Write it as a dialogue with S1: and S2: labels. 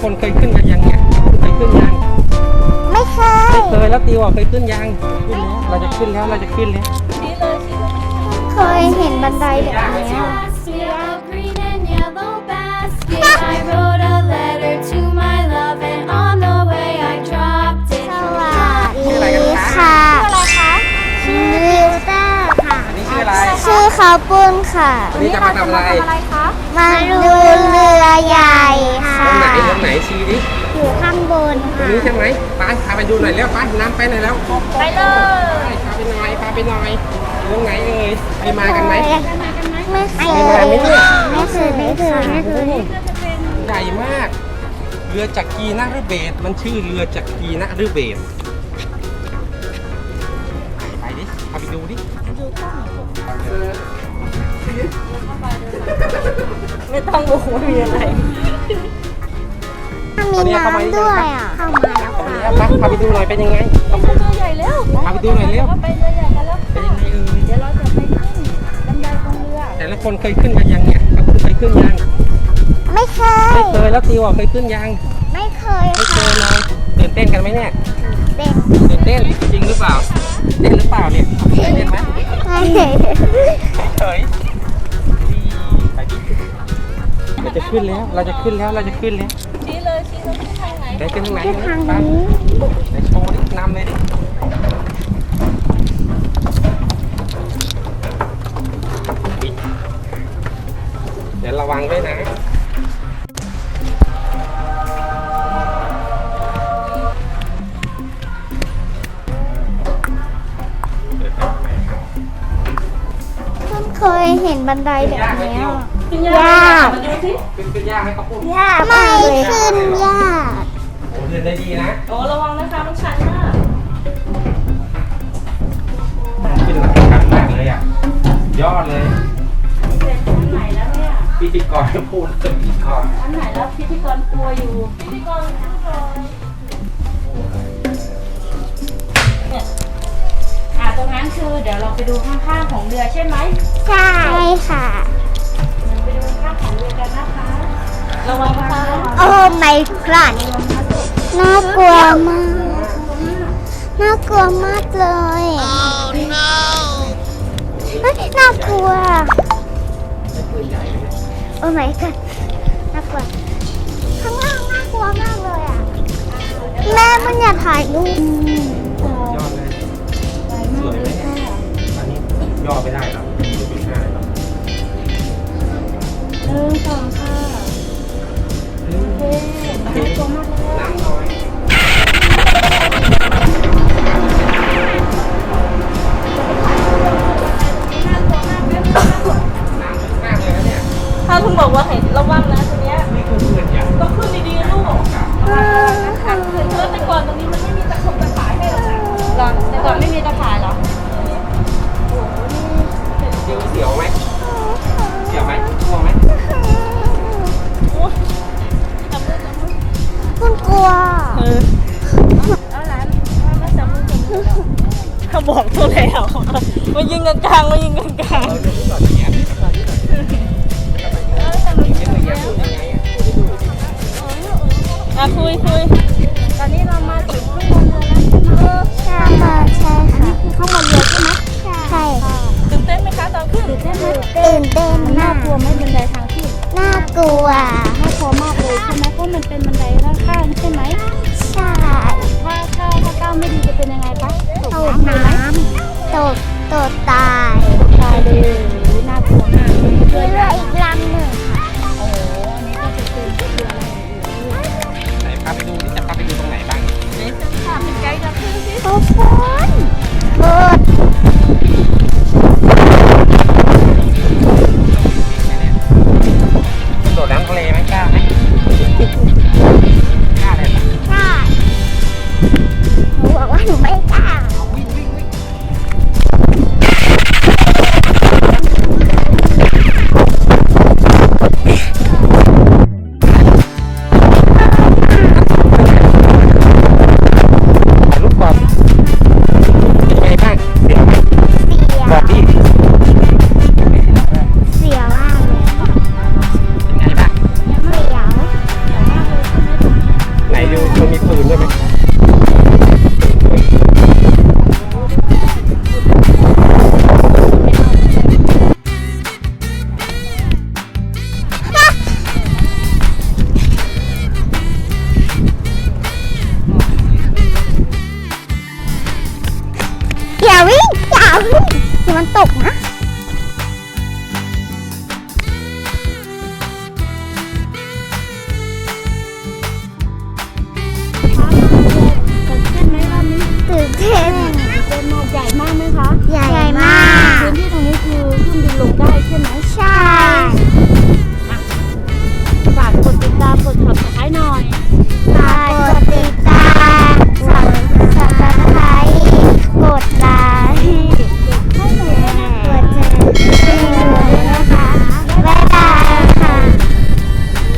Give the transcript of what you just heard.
S1: คนเคยขึ้นกันยังเนี่ยเคยขึ้นยัง
S2: ไม่เคย
S1: แล้วติวเคยขึ้นยังขึ้นแล้วเราจะขึ้นแล้ว
S2: เคยเห็นบันไดแบบนี้สวัสดีค่ะชื่อลิวเตอร์ค่ะ
S1: อันนี้ชื่ออะไร
S2: ชื่อข้าวปุ้นค่ะ
S1: วันนี้จะมาทำอะไร
S2: คะมาดูเรือใหญ่ค่ะ
S1: ตรงไหนชี้ดิ
S2: อยู่ข้างบน
S1: ตรงนี้ใช่ไหมไปพาไปดูหน่อยแล้วไปน้ำไปหน่อยแล้ว
S2: ไปเลย
S1: พาไปหน่อยตรงไหนเอ่ยไปมากันไหม
S2: ไม่เคย
S1: ใหญ่มากเรือจักรีนฤเบศมันชื่อเรือจักรีนฤเบศไปดิพาไปดูดิ
S3: ไม่ต้องบอกว่ามีอะไร
S2: มีน้ำด้วยอ่ะเข้ามาแล้ว
S1: ค่ะพาไปดูหน่อยเป็นยังไง
S3: เรือใหญ่แล้ว
S1: พาไปดูหน่อยเร็ว
S3: ไปเรือใหญ่กันแล้ว
S1: เป็นยังไงเอ่ย
S3: เดี๋ยวเราจะไปขึ้นบันไดตรงเรือ
S1: แต่ละคนเคยขึ้นกันยังเนี่ยเคยขึ้นยัง
S2: ไม่เค
S1: ยแล้วติวเคยขึ้นยัง
S2: ไม่เคย
S1: เลยตื่นเต้นกันไหมเนี่ยตื่นเต้นจริงหรือเปล่าเต้นหรือเปล่าเนี่ยตื่นเต้นไหม
S2: ไม่
S1: เฉยไปดิเราจะขึ้นแล้ว
S3: ชี้เลยทางไหน
S1: ไปขึ้นทางไหน
S2: ทางนี้
S1: ไปโชว์ดินำเลยดิเดี๋ยวระวังด้วยนะ
S2: เคยเห็นบันไดแบบนี้
S3: ยาก
S1: ขึ้นยากไหมครับพูด
S2: ยากไม่ขึ้นยาก
S1: โอ้เดินได้ดีนะ
S3: โอ้ระวังนะคะมันชันมาก
S1: ขึ้นหลังชันมากเลยอ่ะยอดเลย
S3: อันไหนแล้วเนี่ย
S1: พิธีกรพูดจะพิธีกร
S3: อันไหนแล้วพิธีกรกลัวอยู่พิธีกรเนี่ยตรงนั้นคือเดี๋ยวเราไปดูข้างๆของเรือใช่ไหม
S2: ใช่ค่ะ
S3: ไปดูข้างของเรือกันนะคะระวังนะคะ
S2: โอ้ไม่พลาดน่ากลัวมากเลยน่ากลัวโอ้ไม่ก็น่ากลัวข้างล่างน่ากลัวมากเลยอ่ะแม่มันอยากถ่ายรูป
S1: ยอดเลยสวยไหมอันนี้ย่อไม่ได้หรอจุดหน้าหรอ
S3: 1 2ค่ะโอเคน่ากลัวมากเลย
S1: น้ำน้อย
S3: ถ้าคุณบอกว่าเห็นระวังนะตัวเนี้ยต้องขึ้นดีๆลูกคือแต่ก่อนตรงนี้มันไม่มีตะข่ายให้หรอแต่ก่อนไม่มีตะข่ายหรอ
S1: เสียวไหมกลัวไหม
S2: คุณกลัว
S3: เอาหลานมาจับมือเขาบอกตัวแล้วมายิงกันกลางคุยตอนนี้เรามาถึงข้างบนเรือแล้ว
S2: ใช่ค่ะ
S3: คือข้างบนเรือใช่ไหม
S2: ใช่ค่ะ
S3: ตื่นเต้นไหมคะตอนขึ้นตื่นเต้นน่ากลัวไหมบันไดทางขึ้น
S2: น่ากลัว
S3: มากเลยใช่ไหมเพราะมันเป็นบันไดด้านข้างใช่ไหม
S2: ใช่
S3: ถ้าก้าวไม่ดีจะเป็นยังไงคะ
S2: ตกน้ำตกตาย
S3: เลยน่ากลัวมาก
S2: เรืออีกลำหนึ่ง
S3: โอ้อันนี้ก็จะเป็นเรืออะไร
S1: ไหนพาไปดูนี่จะพาไปดูตรงไหนบ้าง
S3: นี่จะพาเป็นไกด์จะขึ้นสิ
S2: ทุกคนเปิด
S1: โดดน้ำทะเลไหมกล้าไหมกล้าเลย
S2: กล้าหนูบอกว่าหนูไม่กล้า
S1: ปืนด้วยไหม
S2: อย่าวิ่งเดี๋ยวมันตกนะ